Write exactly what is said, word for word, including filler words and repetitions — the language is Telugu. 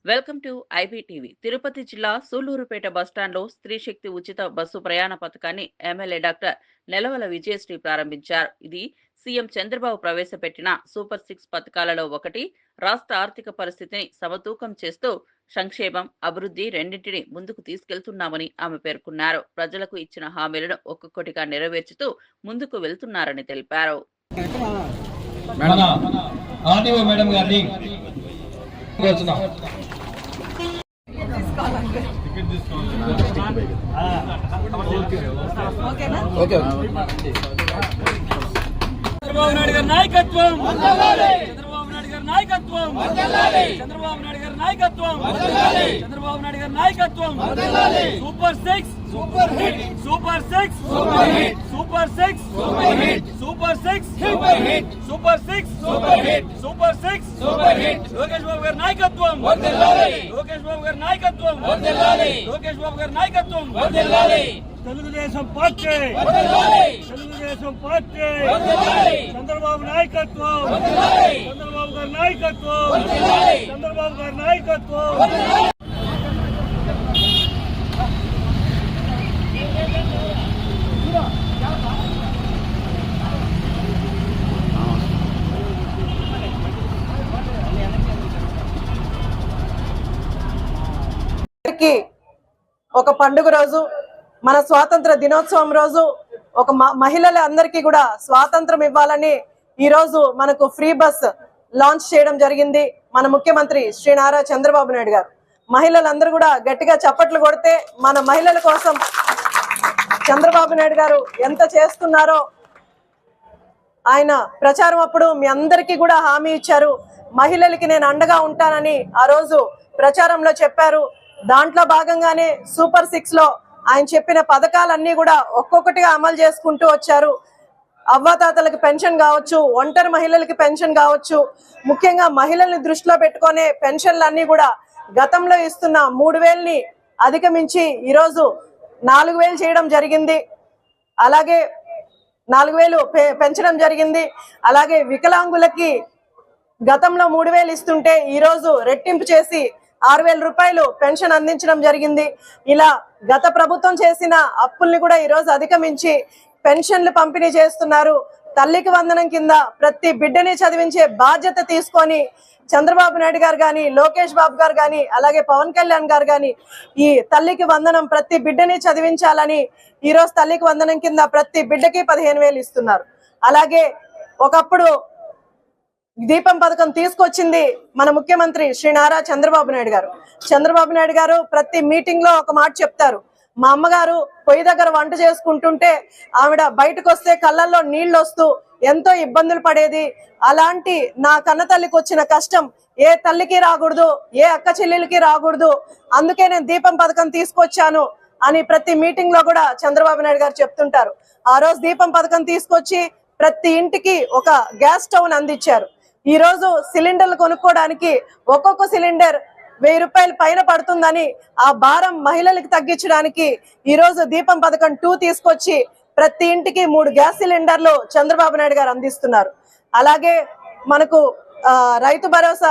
Welcome to IBTV. తిరుపతి జిల్లా సూళ్లూరుపేట బస్టాండ్లో స్త్రీ శక్తి ఉచిత బస్సు ప్రయాణ పథకాన్ని ఎమ్మెల్యే డాక్టర్ నెలవల విజయశ్రీ ప్రారంభించారు. ఇది సీఎం చంద్రబాబు ప్రవేశపెట్టిన సూపర్ సిక్స్ పథకాలలో ఒకటి. రాష్ట్ర ఆర్థిక పరిస్థితిని సమతూకం చేస్తూ సంక్షేమం, అభివృద్ధి రెండింటిని ముందుకు తీసుకెళ్తున్నామని ఆమె పేర్కొన్నారు. ప్రజలకు ఇచ్చిన హామీలను ఒక్కొక్కటిగా నెరవేర్చుతూ ముందుకు వెళ్తున్నారని తెలిపారు. చంద్రబాబు నాయుడు గారి నాయకత్వం చంద్రబాబు నాయుడు గారి నాయకత్వం చంద్రబాబు నాయుడు గారి నాయకత్వం చంద్రబాబు నాయుడు గారి నాయకత్వం super six super hit super six super hit super six super hit super six super hit super six super hit super six super hit Lokesh Babu గారి నాయకత్వం వర్ధిల్లాలి లోకేష్ బాబు గారి నాయకత్వం వర్ధిల్లాలి లోకేష్ బాబు గారి నాయకత్వం వర్ధిల్లాలి తెలుగుదేశం పార్టీ తెలుగుదేశం పార్టీ చంద్రబాబు నాయకత్వం చంద్రబాబు గారి నాయకత్వం చంద్రబాబు గారి నాయకత్వం ఒక పండుగ రోజు, మన స్వాతంత్ర దినోత్సవం రోజు ఒక మహిళల అందరికీ కూడా స్వాతంత్రం ఇవ్వాలని ఈ రోజు మనకు ఫ్రీ బస్ లాంచ్ చేయడం జరిగింది మన ముఖ్యమంత్రి శ్రీ నారా చంద్రబాబు నాయుడు గారు. మహిళలందరూ కూడా గట్టిగా చప్పట్లు కొడితే మన మహిళల కోసం చంద్రబాబు నాయుడు గారు ఎంత చేస్తున్నారో ఆయన ప్రచారం అప్పుడు మీ అందరికీ కూడా హామీ ఇచ్చారు. మహిళలకి నేను అండగా ఉంటానని ఆ రోజు ప్రచారంలో చెప్పారు. దాంట్లో భాగంగానే సూపర్ సిక్స్ లో ఆయన చెప్పిన పథకాలన్నీ కూడా ఒక్కొక్కటిగా అమలు చేసుకుంటూ వచ్చారు. అవ్వాతాతలకు పెన్షన్ కావచ్చు, ఒంటరి మహిళలకి పెన్షన్ కావచ్చు, ముఖ్యంగా మహిళల్ని దృష్టిలో పెట్టుకునే పెన్షన్లు అన్ని కూడా గతంలో ఇస్తున్న మూడు వేలని అధిగమించి ఈరోజు నాలుగు వేలు చేయడం జరిగింది. అలాగే నాలుగు వేలు పెంచడం జరిగింది. అలాగే వికలాంగులకి గతంలో మూడు వేలు ఇస్తుంటే ఈరోజు రెట్టింపు చేసి ఆరు వేల రూపాయలు పెన్షన్ అందించడం జరిగింది. ఇలా గత ప్రభుత్వం చేసిన అప్పుల్ని కూడా ఈరోజు అధిగమించి పెన్షన్లు పంపిణీ చేస్తున్నారు. తల్లికి వందనం కింద ప్రతి బిడ్డని చదివించే బాధ్యత తీసుకొని చంద్రబాబు నాయుడు గారు కానీ, లోకేష్ బాబు గారు కానీ, అలాగే పవన్ కళ్యాణ్ గారు కానీ ఈ తల్లికి వందనం ప్రతి బిడ్డని చదివించాలని ఈరోజు తల్లికి వందనం కింద ప్రతి బిడ్డకి పదిహేను వేలు ఇస్తున్నారు. అలాగే ఒకప్పుడు దీపం పథకం తీసుకొచ్చింది మన ముఖ్యమంత్రి శ్రీ నారా చంద్రబాబు నాయుడు గారు. చంద్రబాబు నాయుడు గారు ప్రతి మీటింగ్ లో ఒక మాట చెప్తారు. మా అమ్మగారు పొయ్యి దగ్గర వంట చేసుకుంటుంటే ఆవిడ బయటకు వస్తే కళ్ళల్లో నీళ్లు వస్తూ ఎంతో ఇబ్బందులు పడేది. అలాంటి నా కన్న తల్లికి వచ్చిన కష్టం ఏ తల్లికి రాకూడదు, ఏ అక్క చెల్లెలకి రాకూడదు, అందుకే నేను దీపం పథకం తీసుకొచ్చాను అని ప్రతి మీటింగ్ లో కూడా చంద్రబాబు నాయుడు గారు చెప్తుంటారు. ఆ రోజు దీపం పథకం తీసుకొచ్చి ప్రతి ఇంటికి ఒక గ్యాస్ స్టవ్ అందించారు. ఈ రోజు సిలిండర్లు కొనుక్కోవడానికి ఒక్కొక్క సిలిండర్ వెయ్యి రూపాయల పైన పడుతుందని ఆ భారం మహిళలకు తగ్గించడానికి ఈ రోజు దీపం పథకం టూ తీసుకొచ్చి ప్రతి ఇంటికి మూడు గ్యాస్ సిలిండర్లు చంద్రబాబు నాయుడు గారు అందిస్తున్నారు. అలాగే మనకు రైతు భరోసా